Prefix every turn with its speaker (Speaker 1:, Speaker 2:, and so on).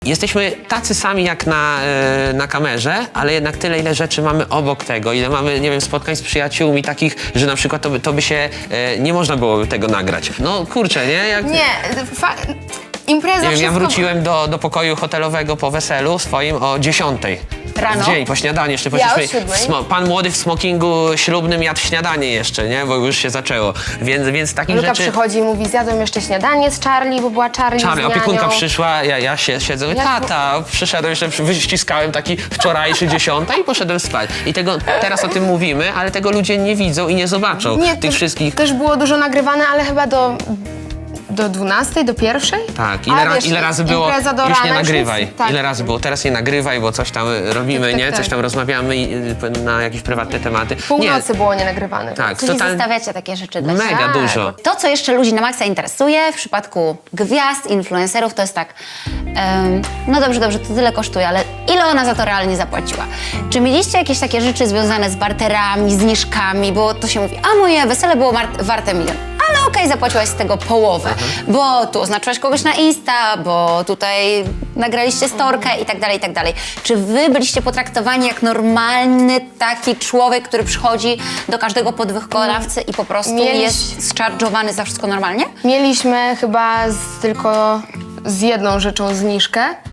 Speaker 1: Jesteśmy tacy sami jak na kamerze, ale jednak tyle, ile rzeczy mamy obok tego, ile mamy, nie wiem, spotkań z przyjaciółmi takich, że na przykład to by się, nie można było tego nagrać. No kurczę, nie?
Speaker 2: Impreza
Speaker 1: Nie wiem, ja
Speaker 2: wszystko...
Speaker 1: wróciłem do pokoju hotelowego po weselu swoim o 10.
Speaker 2: Rano?
Speaker 1: W dzień, po śniadaniu jeszcze.
Speaker 2: Ja o
Speaker 1: Poszliśmy,
Speaker 2: 7.
Speaker 1: pan młody w smokingu ślubnym jadł śniadanie jeszcze, nie? Bo już się zaczęło. Więc takich
Speaker 2: Luka
Speaker 1: rzeczy...
Speaker 2: przychodzi i mówi, zjadłem jeszcze śniadanie z Charlie, bo była Charlie z nianią.
Speaker 1: Opiekunka przyszła, ja siedzę, mówię, tata, przyszedłem, jeszcze wyściskałem taki wczorajszy 10 i poszedłem spać. I teraz o tym mówimy, ale tego ludzie nie widzą i nie zobaczą tych wszystkich.
Speaker 2: Też było dużo nagrywane, ale chyba do 12, do 1?
Speaker 1: Tak, ile razy było,
Speaker 2: impreza do
Speaker 1: już
Speaker 2: rana,
Speaker 1: nie nagrywaj.
Speaker 2: Tak.
Speaker 1: Ile razy było, teraz nie nagrywaj, bo coś tam robimy,
Speaker 2: Tak,
Speaker 1: nie?
Speaker 2: tak.
Speaker 1: Coś tam rozmawiamy na jakieś prywatne tematy.
Speaker 2: Północy było nienagrywane.
Speaker 1: Tak,
Speaker 3: Czyli
Speaker 1: totalnie.
Speaker 3: zostawiacie takie rzeczy dla siebie.
Speaker 1: Mega dużo.
Speaker 3: To, co jeszcze ludzi na maksa interesuje w przypadku gwiazd, influencerów, to jest tak, no dobrze, to tyle kosztuje, ale ile ona za to realnie zapłaciła? Czy mieliście jakieś takie rzeczy związane z barterami, zniżkami, bo to się mówi, a moje wesele było warte 1 000 000. Ale okej, zapłaciłaś z tego połowę, bo tu oznaczyłaś kogoś na Insta, bo tutaj nagraliście storkę i tak dalej, i tak dalej. Czy wy byliście potraktowani jak normalny taki człowiek, który przychodzi do każdego podwykonawcy i po prostu jest zcharge'owany za wszystko normalnie?
Speaker 2: Mieliśmy chyba tylko z jedną rzeczą zniżkę.